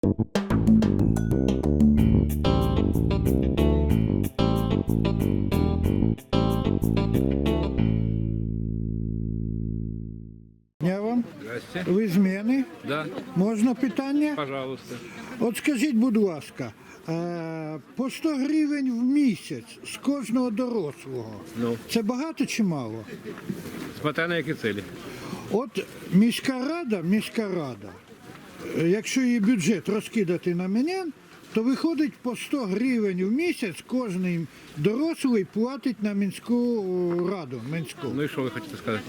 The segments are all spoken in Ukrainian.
Я вам. Здрасте. Ви з мене? Да, Можна питання? пожалуйста. От скажіть, будь ласка, по 100 гривень в місяць з кожного дорослого. Ну. Це багато чи мало? Смотря на які цілі. От міська рада, якщо її бюджет розкидати на менян, то виходить по 100 гривень в місяць кожен дорослий платить на міську раду. Ну і що ви хочете сказати?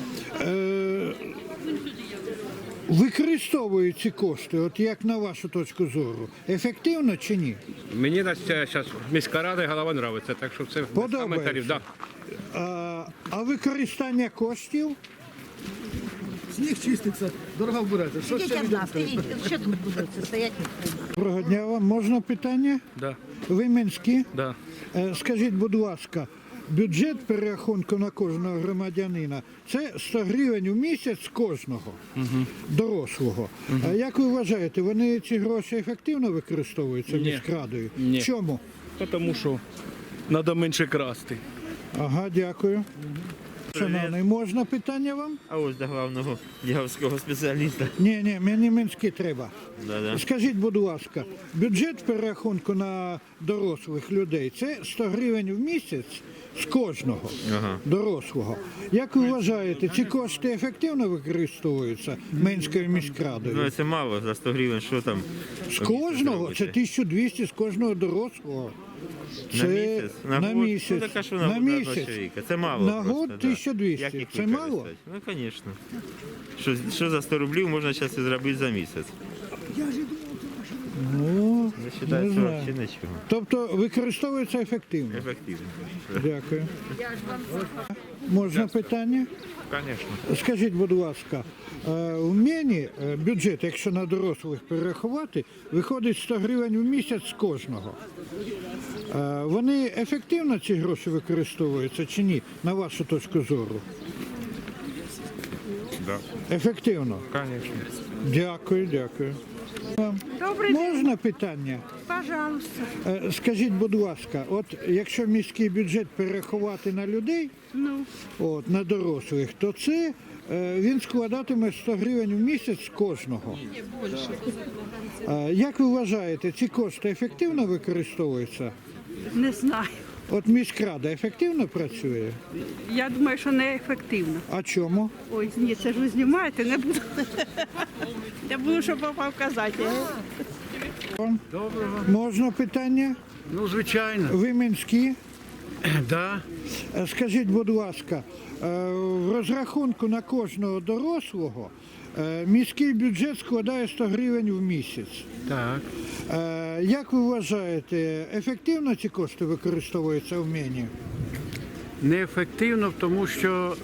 Використовують ці кошти, от як на вашу точку зору, ефективно чи ні? Мені зараз міська рада і голова подобається, так що це без Подобається? коментарів. Да. А використання коштів? Сніг чиститься, дорога вбирається. Що ще Ідіть людям одна, треба? стоїть, що тут буде це стоять? Доброго дня вам. Можна питання? Да. Ви Мінські? Да. Скажіть, будь ласка, бюджет перерахунку на кожного громадянина – це 100 гривень у місяць кожного дорослого. А як ви вважаєте, вони ці гроші ефективно використовуються Ні. міськрадою? Ні. Чому? Тому що треба менше красти. Ага, дякую. Шановний, можна питання вам? А ось до главного діагностичного спеціаліста. Ні, мені Мінські треба. Да-да. Скажіть, будь ласка, бюджет перерахунку на дорослих людей – це 100 гривень в місяць з кожного дорослого. Як ви вважаєте, ці кошти ефективно використовуються Мінською міськрадою? Ну це мало за 100 гривень, що там? З кожного? Це 1200 з кожного дорослого. На місяць? На год? місяць. Ну, так, а що на На год на місяць. чоловіка? Це мало На просто, год да. 1200. Як їх Це мало? використати? Ну, звісно. Що за 100 рублів можна зараз і зробити за місяць? Ну, Я не вважаю, що знаю. взагалі нічого. Тобто використовується ефективно? Ефективно. Дякую. Можна питання? Звісно. Скажіть, будь ласка, у мене бюджет, якщо на дорослих перерахувати, виходить 100 гривень в місяць з кожного. Вони ефективно ці гроші використовуються чи ні, на вашу точку зору? Да. Ефективно? Звісно. Дякую. Добрий Можна питання? пожалуйста. Скажіть, будь ласка, от якщо міський бюджет перерахувати на людей, от, на дорослих, то це він складатиме 100 гривень в місяць з кожного. Як ви вважаєте, ці кошти ефективно використовуються? Не знаю. От міськрада ефективно працює? Я думаю, що не ефективно. А чому? Ой, ні, це ж ви знімаєте, не буду. Я буду, щоб попав казати. Можна питання? Ну, звичайно. Ви Мінські? Да. Скажіть, будь ласка, в розрахунку на кожного дорослого міський бюджет складає 100 гривень в місяць. Так. Як ви вважаєте, ефективно ці кошти використовуються в мені? Неефективно, тому що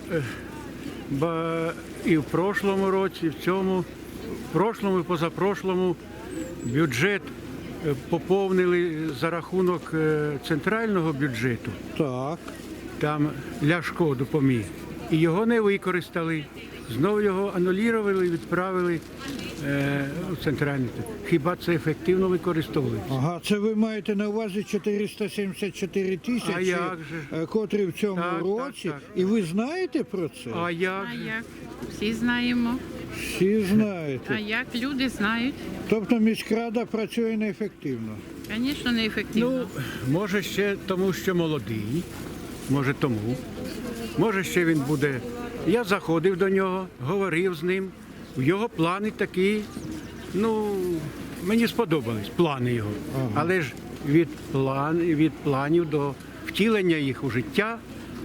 і в прошлому році, і в цьому, в прошлому і позапрошлому бюджет поповнили за рахунок центрального бюджету. Так. Там Ляшко допоміг. І його не використали. Знову його анулювали і відправили у центральний. Хіба це ефективно використовується? Ага, це ви маєте на увазі 474 А тисячі, як же? котрі в цьому Так, році. так. І ви знаєте про це? А як же? Як? Всі знаємо. Всі знаєте. А як люди знають? Тобто міськрада працює неефективно. Звісно, неефективно. Ну, може ще тому, що молодий, може тому. Може ще він буде. Я заходив до нього, говорив з ним. Його плани такі, ну, мені сподобались плани його. Але ж від планів до втілення їх у життя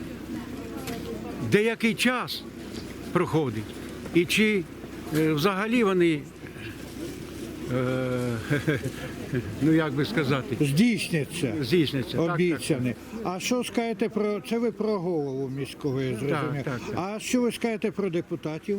деякий час проходить. І чи взагалі вони, ну як би сказати, Здійсняться. здійсняться. Так, Обіцяне. А що скажете про це? Ви про голову міського, я зрозумів. так. А що ви скажете про депутатів?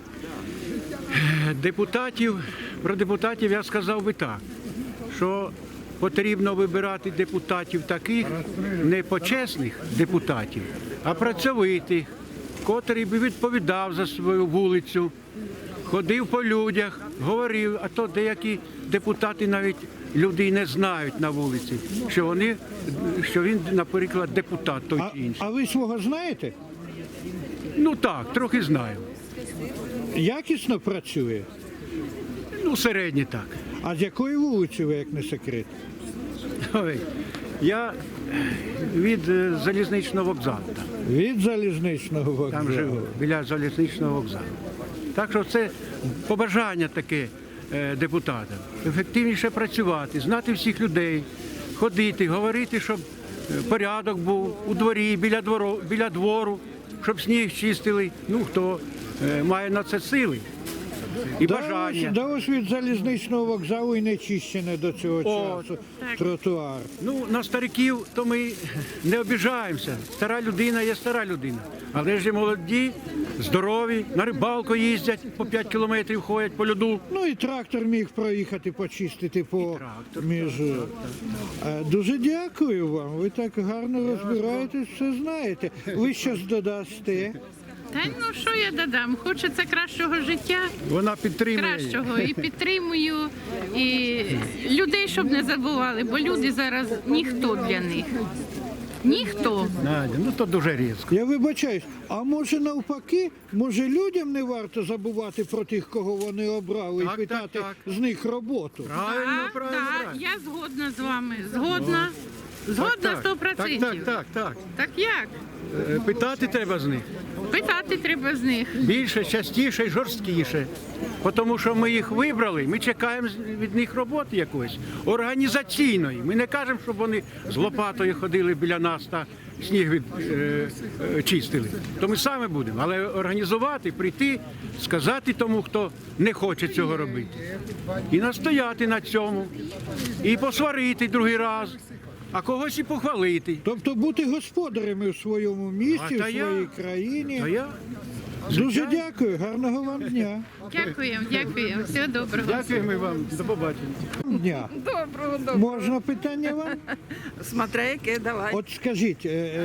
Про депутатів я сказав би так, що потрібно вибирати депутатів таких, не почесних депутатів, а працьовитих, котрий би відповідав за свою вулицю, ходив по людях, говорив, а то деякі депутати навіть люди й не знають на вулиці, що він, наприклад, депутат той чи інший. А ви свого знаєте? Ну так, трохи знаю. Якісно працює? Ну, середньо так. А з якої вулиці ви, як не секрет? Ой, я від залізничного вокзалу. Від залізничного вокзалу. Там живу, біля залізничного вокзалу. Так що це побажання таке депутатам. Ефективніше працювати, знати всіх людей, ходити, говорити, щоб порядок був у дворі, біля двору, щоб сніг чистили. Ну, хто має на це сили і бажання. Да ось від залізничного вокзалу і не чищене до цього часу тротуар. Ну, на стариків то ми не обіжаємося. Стара людина є стара людина. Але ж є молоді, здорові, на рибалку їздять, по 5 кілометрів ходять по льоду. Ну і трактор міг проїхати, почистити по трактор, між. Дуже дякую вам. Ви так гарно розбираєтесь, все знаєте. Ви щось додасте? Та ну що я додам? Хочеться кращого життя, Вона підтримує. кращого і підтримую, і людей, щоб не забували, бо люди зараз ніхто для них. Ніхто. Надя, ну то дуже різко. Я вибачаюсь, а може навпаки, може людям не варто забувати про тих, кого вони обрали, Так, і питати так, з них роботу? Правильно, Так, правильно. так, я згодна з вами. Згодна. Згодна 100%. Так. Так як? Питати треба з них. Питати треба з них. Більше, частіше і жорсткіше. Тому що ми їх вибрали, ми чекаємо від них роботи якоїсь, організаційної. Ми не кажемо, щоб вони з лопатою ходили біля нас та сніг чистили. То ми самі будемо. Але організувати, прийти, сказати тому, хто не хоче цього робити. І настояти на цьому. І посварити другий раз, а когось і похвалити. Тобто бути господарями в своєму місті, А, в та я- своїй країні. А я Дуже дякую, гарного вам дня. Дякуємо. Всього доброго. дякуємо вам. До побачення. Дня. Доброго. Можна питання вам? Смотря яке, давай. От скажіть,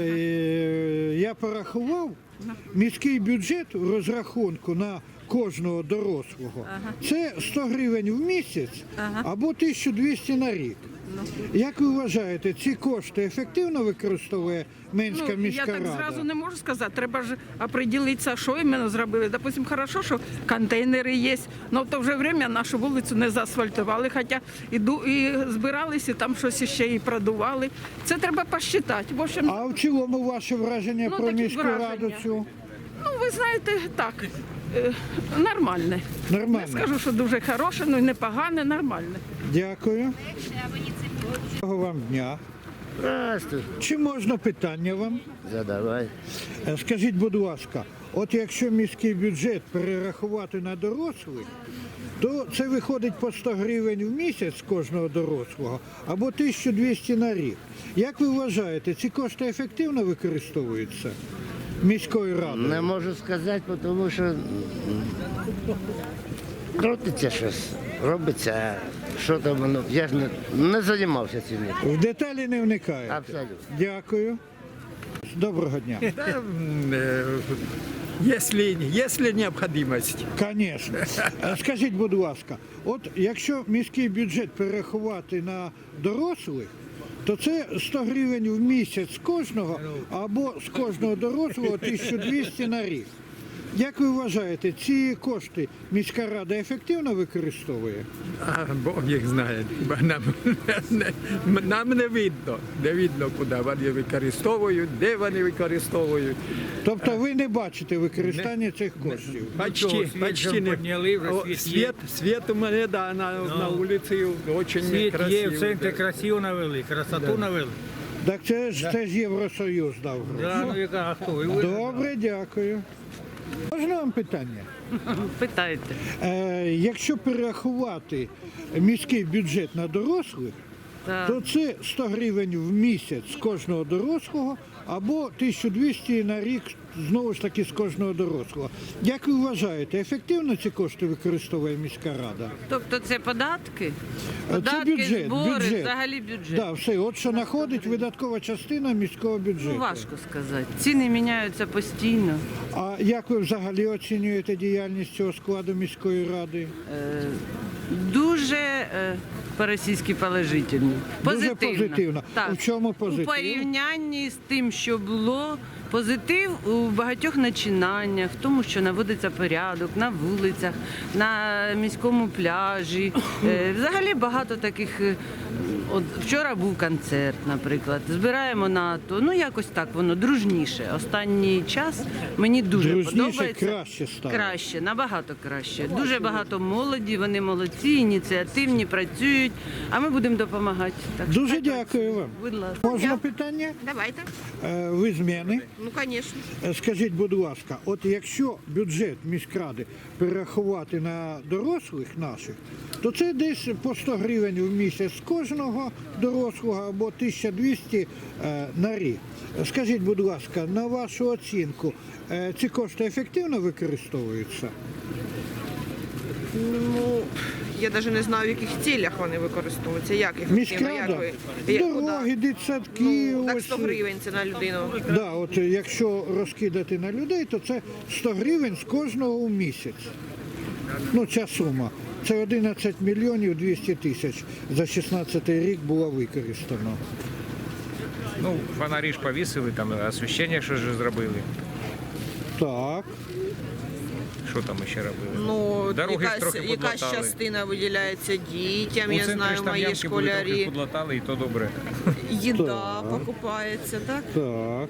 я порахував, міський бюджет у розрахунку на кожного дорослого це 100 гривень в місяць або 1200 на рік. Як ви вважаєте, ці кошти ефективно використовує Менська Я міська так рада? зразу не можу сказати. Треба ж определитися, що іменно зробили. Допустим, хорошо, що контейнери є, але в то вже время нашу вулицю не заасфальтували, хоча і збиралися, там щось ще і продували. Це треба посчитати. В общем, А в цілому ваше враження Ну, про такі міську враження. раду цю? ну ви знаєте, так, нормальне. Нормально. Не скажу, що дуже хороше, ну і непогане, нормальне. Дякую. Гарного вам дня. Здравствуй. Чи можна питання вам? Задавай. Скажіть, будь ласка, от якщо міський бюджет перерахувати на дорослих, то це виходить по 100 гривень в місяць з кожного дорослого або 1200 на рік. Як ви вважаєте, ці кошти ефективно використовуються міською радою? Не можу сказати, тому що крутиться щось, робиться, що там воно. Я ж не займався цим. В деталі не вникаєте? Абсолютно. Дякую. Доброго дня. Если необходимость. Звісно. Скажіть, будь ласка, от якщо міський бюджет перерахувати на дорослих, то це 100 гривень в місяць з кожного або з кожного дорослого 1200 на рік. Як ви вважаєте, ці кошти міська рада ефективно використовує? А Бог їх знає. Бо нам не видно, куди вони використовують, де вони використовують. Тобто ви не бачите використання цих коштів? Почти не. Світ у мене на вулиці дуже красивий. в центрі красиво навели, красоту навели. Так це ж Євросоюз дав гроші. А хто? Добре, дякую. Можна вам питання? Питайте. Якщо перерахувати міський бюджет на дорослих, то це 100 гривень в місяць з кожного дорослого або 1200 на рік знову ж таки з кожного дорослого. Як ви вважаєте, ефективно ці кошти використовує міська рада? Тобто це податки? Це Податки, бюджет, збори, бюджет. взагалі бюджет. Да, все, от що знаходить видаткова частина міського бюджету. Ну, важко сказати. Ціни міняються постійно. А як ви взагалі оцінюєте діяльність цього складу міської ради? Дуже по-російськи положительно. Дуже позитивно. Так. У чому позитив? У порівнянні з тим, що було, позитив у багатьох начинаннях, в тому, що наводиться порядок на вулицях, на міському пляжі. Взагалі багато таких. От вчора був концерт, наприклад. Збираємо НАТО. Ну якось так воно дружніше. Останній час мені дуже Дружніше, подобається. краще стало. Краще, набагато краще. Дуже багато молоді, вони молодці, ініціативні, працюють, а ми будемо допомагати. Так що Дуже так, дякую вам. будь ласка. Можна питання? Давайте. Ви з мене. Ну, звісно. Скажіть, будь ласка, от якщо бюджет міськради перерахувати на дорослих наших, то це десь по 100 гривень в місяць з кожного дорослого або 1200 на рік. Скажіть, будь ласка, на вашу оцінку, ці кошти ефективно використовуються? Ну, я навіть не знаю, в яких цілях вони використовуються. Як їх Міськрада, дороги, дитсадки, Ну, так ось. 100 гривень це на людину. Да, от якщо розкидати на людей, то це 100 гривень з кожного у місяць. Ну, ця сума. Це 11 мільйонів 200 тисяч за 16 рік було використано. Ну, фонарі ж повісили, там освіщення що ж зробили. Так. Що там ще робили? Ну, Дороги ж трохи якась подлатали. частина виділяється дітям, У я центрі знаю, ж там мої ямки були, трохи школярі. подлатали, і то добре. Їда покупається, так? Так.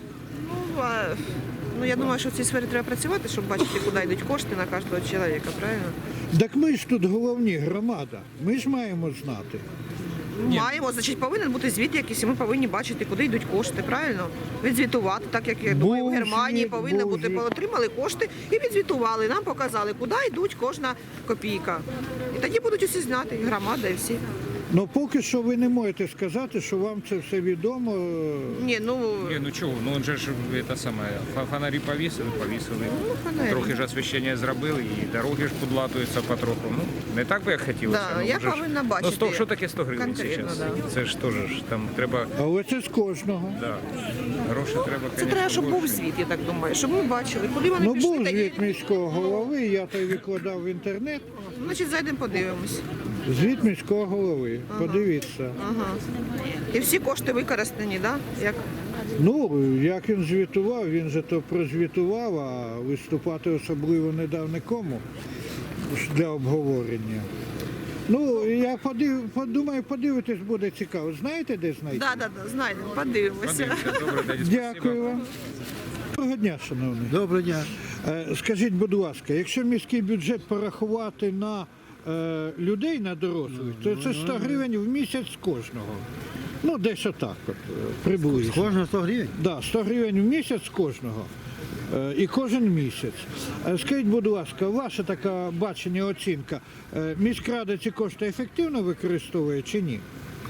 Ну, я думаю, що в цій сфері треба працювати, щоб бачити, куди йдуть кошти на кожного чоловіка, правильно? Так ми ж тут головні, громада. Ми ж маємо знати. Маємо, значить, повинен бути звіт якийсь, і ми повинні бачити, куди йдуть кошти, правильно? Відзвітувати, так як я думаю, в Був Германії звіт, повинно був бути, звіт. отримали кошти і відзвітували, нам показали, куди йдуть кожна копійка. І тоді будуть усі знати, і громада, і всі. Ну поки що ви не можете сказати, що вам це все відомо. Ні, ну, Ні, ну чого, ну он же ж це саме, фонарі повісили. фонарі. Трохи ж освіщення зробили, і дороги ж подлатуються потроху. Ну, не так би як хотілося. Да, ну, я вже ж- повинна Ну, бачити 100, що таке 100 гривень конкретно, зараз? да. Це ж теж ж там треба, Але це з кожного. да, гроші треба, Це конечно, треба, щоб був більше. звіт, я так думаю, щоб ми бачили, куди вони Ну пішли. був тоді, звіт міського голови, я той викладав в інтернет. значить, зайдемо, подивимось. Звіт міського голови. Подивіться. Ага. І всі кошти використані, так? Да? Як? Ну, як він звітував, він же то прозвітував, а виступати особливо не дав нікому для обговорення. Ну, я подумаю, подивитись буде цікаво. Знаєте, де знайти? Да, знайдемо, подивимося. Подивимося, добре, тоді спасибо. Дякую вам. Доброго дня, шановний. Доброго дня. Скажіть, будь ласка, якщо міський бюджет порахувати на людей, на дорослих, то це 100 гривень в місяць з кожного. Ну, десь отак, от, приблизно. Кожного 100 гривень? Да, 100 гривень в місяць з кожного. І кожен місяць. Скажіть, будь ласка, ваша така бачення, оцінка, міськрада ці кошти ефективно використовує чи ні?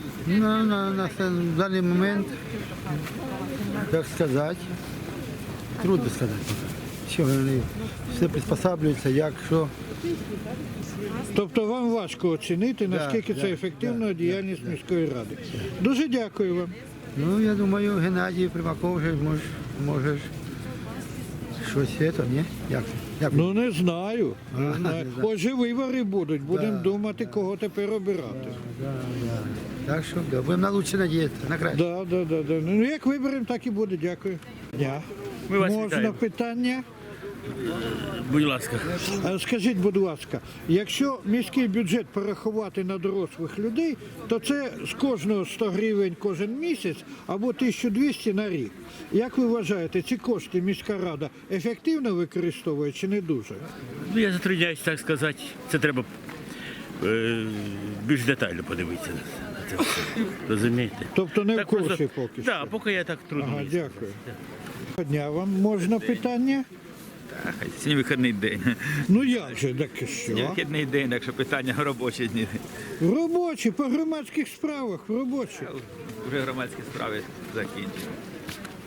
На даний момент, як сказати, трудно сказати. Що вони все приспосаблюються, як, що. Тобто вам важко оцінити, наскільки це ефективна діяльність міської ради. Дуже дякую вам. Ну, я думаю, Геннадій Примаков вже може щось це, ні? Як? Ну не знаю. Не знаю. да. Отже, вибори будуть. Будемо думати, кого тепер обирати. Так що да, будемо на лучше надіятися, на краще. Да. Ну як виберемо, так і буде. Дякую. Дня. Ми вас Можна вітаємо. питання? Будь ласка. Скажіть, будь ласка, якщо міський бюджет порахувати на дорослих людей, то це з кожного 100 гривень кожен місяць або 1200 на рік. Як ви вважаєте, ці кошти міська рада ефективно використовує чи не дуже? Ну, я затрудняюсь так сказати. Це треба більш детально подивитися на це все. Розумієте? Тобто не в Так курсі просто- поки що? Так, поки я так трудно. Ага, дякую. Дня вам можна питання? Сьогодні вихідний день. Ну як же, так і Сьогодні що? вихідний день, так що питання робочі дні. Робочі, по громадських справах, робочі. Вже громадські справи закінчені.